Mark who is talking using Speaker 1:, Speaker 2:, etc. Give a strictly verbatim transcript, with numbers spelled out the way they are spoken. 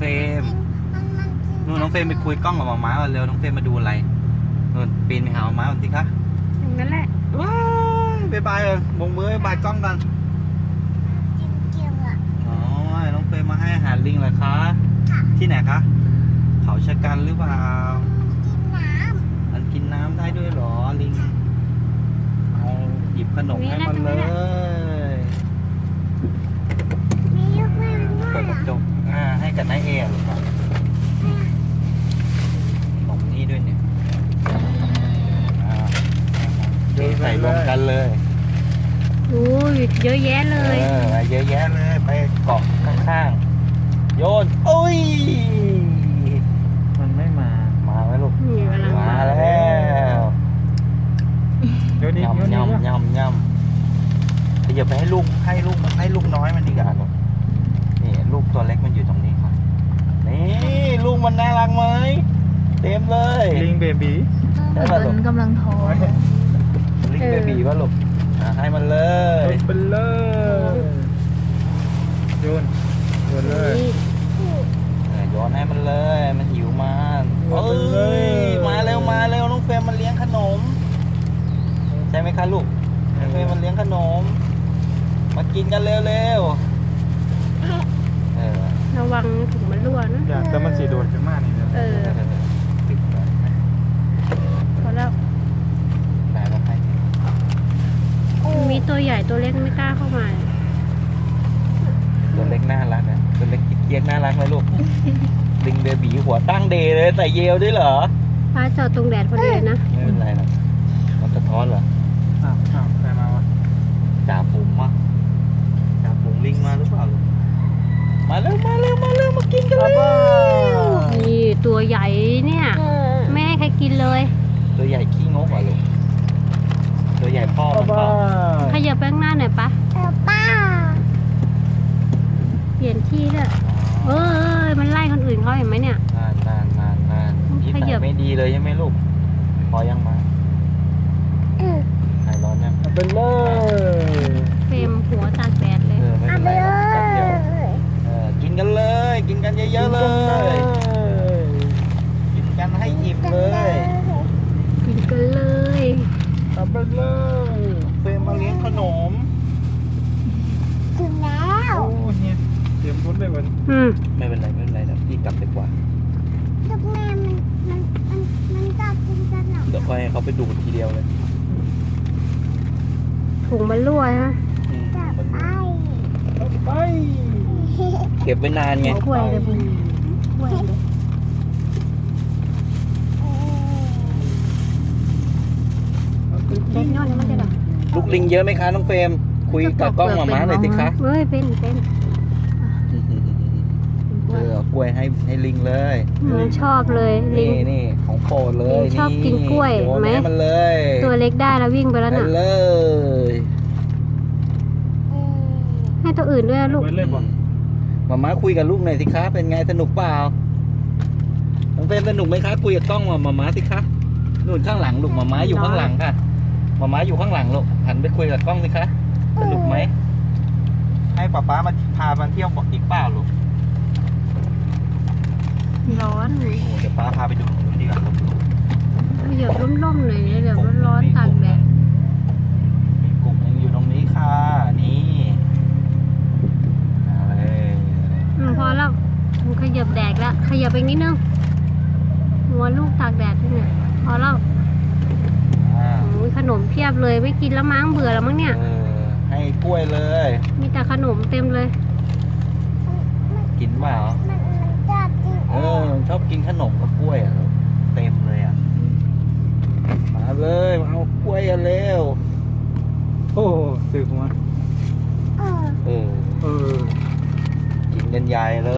Speaker 1: เฟรมนู่นน้องเฟรมไปคุยกล้องกับหมาม้าก่อนเร็วน้องเฟรมมาดูอะไรนู่นปีนไปหาหมาม้าก่อนสิคะ
Speaker 2: อย่างนั้นแหละ
Speaker 1: ว้ายบายบายเลยบงมือบายบายกล้องกันอ๋อน้องเฟรมมาให้อาหารลิงเหรอคะที่ไหนคะเขาชะกันหรือเปล่ามันกินน้ำได้ด้วยเหรอลิงเอาหยิบขนมให้มันเลยเปิดกระจกอ่าให้กับนายเอ๋หรือเปล่าขนมนี่ด้วยเนี่ยอ่าใส่รวมกันเลย
Speaker 2: โอ้ยเยอะแยะเลย
Speaker 1: เออเยอะแยะเลยไปเกาะข้างๆโยนโอ้ยมันไม่มามาไหมลูก
Speaker 2: นี่กำลัง
Speaker 1: มา
Speaker 2: มา
Speaker 1: แล้ว
Speaker 3: เดี๋ยวนี้
Speaker 1: ยำ
Speaker 3: เดี๋ยวนี้
Speaker 1: ยำยำยำขยับไปให้ลูกให้ลูกให้ลูกน้อยมันดีกว่าลูกนี่ลูกตัวเล็กมันอยู่ตรงนี้ครับนี่ลูกมันน่ารักไหมเต็มเลย
Speaker 3: ลิงเบบี
Speaker 2: เหมือนมันกำลังท้อง
Speaker 1: ลิงเบบีป่ะลูกอ่ะให้มันเลย
Speaker 3: เป็นเลยโยนโยนเลย
Speaker 2: นี่
Speaker 1: เออโยนให้มันเลย มันหิวมัน
Speaker 3: โย
Speaker 1: เอ้
Speaker 3: นไปเลย
Speaker 1: ย มาเร็วมาเร็วน้องเฟรมมันเลี้ยงขนม ใช่ไหมคะลูกน้องเฟรมมันเลี้ยงขนม มากินกันเร็วเร็วเออ
Speaker 2: ระวังถุงมันรั่วนะ
Speaker 3: อยากแต่มันสีโดดขึ้นมากนี่เนี่ย
Speaker 2: เออ
Speaker 1: ติดเลย
Speaker 2: พอแล้ว
Speaker 1: ได้แล้วให้
Speaker 2: มีตัวใหญ่ตัวเล็กไม่กล้าเข้ามา
Speaker 1: ตัวเล็กน่ารักอ่ะตัวเล็กกิ๊กเกียกน่ารักไหมลูก ลิงเบบีหัวตั้งเดย์เลยใส่เยลด้วยเหรอ
Speaker 2: ฟ้าจอดตรงแดดพอดีเลยนะ
Speaker 1: ไม่เป็นไรหรอกมันสะท้อนเหรอ
Speaker 3: อ้าวอ้าวใครมาวะ
Speaker 1: จ่าฝูงมาจ่าฝูงลิงมาหรือเปล่าลูกมาเร็วมาเร็วมาเร็วมากินกันเลย
Speaker 2: นี่ตัวใหญ่เนี่ยไม่ให้ใครกินเลย
Speaker 1: ตัวใหญ่ขี้งกเหรอลูกตัวใหญ่พ่อมันเปล่า
Speaker 2: ขยับไปข้างหน้าหน่อยปะเปลี่ยนที่เลยเออมันไล่คนอื่นเขาเห็นไหมเนี่ย
Speaker 1: นานนานนานนานนิ
Speaker 2: ข
Speaker 1: สั
Speaker 2: ยั
Speaker 1: ย
Speaker 2: บ
Speaker 1: ไม่ดีเลยใช่ไหมลูก พอยังมาหายร้อนยัง
Speaker 3: เป็นเลย
Speaker 2: เฟรมหัวตากแดดเลย
Speaker 1: เออไม่เป็นไรหรอกแป๊บเดียวเออกินกันเลย กินกันเยอะๆเลย กินกันให้อิ่มเลย
Speaker 2: กินกันเลย
Speaker 3: ทำเป็นเลย
Speaker 1: เฟรมมาเลี้ยงขนม
Speaker 3: โอ้เนี่ยเตรียมรถเลยวัน
Speaker 2: อืม
Speaker 1: ไม่เป็นไรไม่เป็นไรเดี๋ยวพี่กลับดีกว่า เดี๋ยวค่อยให้เขาไปดูดทีเดียวเลย
Speaker 2: ถุงมันรั่วฮะ
Speaker 1: อืมมัน
Speaker 3: ไป
Speaker 1: เก็บไว้นานไง
Speaker 2: กล้วยเลยบุญกล้วยเลยเล็กน้อยมันจะแบบ
Speaker 1: ลูกลิงเยอะไหมคะน้องเฟรมคุยกับกล้องหมาม้าหน่อยสิคะ
Speaker 2: เฮ้ยเป็นเป็น
Speaker 1: เออเอากล้วยให้ให้ลิงเลย
Speaker 2: อืมชอบเลยลิ
Speaker 1: นี่
Speaker 2: ง
Speaker 1: นี่ของโปรดเลย
Speaker 2: ลิงชอบกินกล้วย
Speaker 1: โน
Speaker 2: ไหม
Speaker 1: ให้มันเลย
Speaker 2: ตัวเล็กได้แล้ววิ่งไปแล้ว
Speaker 1: ไป
Speaker 2: น่ะ
Speaker 1: เลย
Speaker 2: ให้ตัวอื่นด้วยนะลูก
Speaker 3: เบิดเลยบ่
Speaker 1: หมาม้าคุยกับลูกหน่อยสิคะเป็นไงสนุกเปล่าน้องเฟรมสนุกไหมคะคุยกับกล้องหมาม้าสิคะนู่นข้างหลังลูกหมาม้าอยู่ข้างหลังค่ะหมาม้าอยู่ข้างหลังลูกหันไปคุยกับกล้องสิคะสนุกไหมให้ป๊าป๊ามาพามาเที่ยวบอกอีกเปล่าลูก
Speaker 2: ร้อน
Speaker 1: โอ้เดี๋ยวป๊าพาไปดูตรงนู้นดีกว่าลูก
Speaker 2: เหยียบร่มๆหน่อยเดี๋ยวร้อนๆตากแดด
Speaker 1: มีกลุ่มยังอยู่ตรงนี้ค่ะนี่เอาเลย
Speaker 2: อืมพอแล้วมันขยับแดดแล้วขยับไปนิดนึงหัวลูกตากแดดที่เนี่ยพอแล้ว
Speaker 1: อ่า
Speaker 2: โอ้ยขนมเพียบเลยไม่กินแล้วมั้งเบื่อแล้วมั้งเนี่ย
Speaker 1: เออให้กล้วยเลย
Speaker 2: มีแต่ขนมเต็มเลย
Speaker 1: กินเปล่าเออชอบกินขนมกับกล้วยอ่ะเต็มเลยอ่ะมาเลยมาเอากล้วยกันเร็ว
Speaker 3: โอ้สึกมา
Speaker 1: เออ
Speaker 3: เออ
Speaker 1: กินกันใหญ่เลย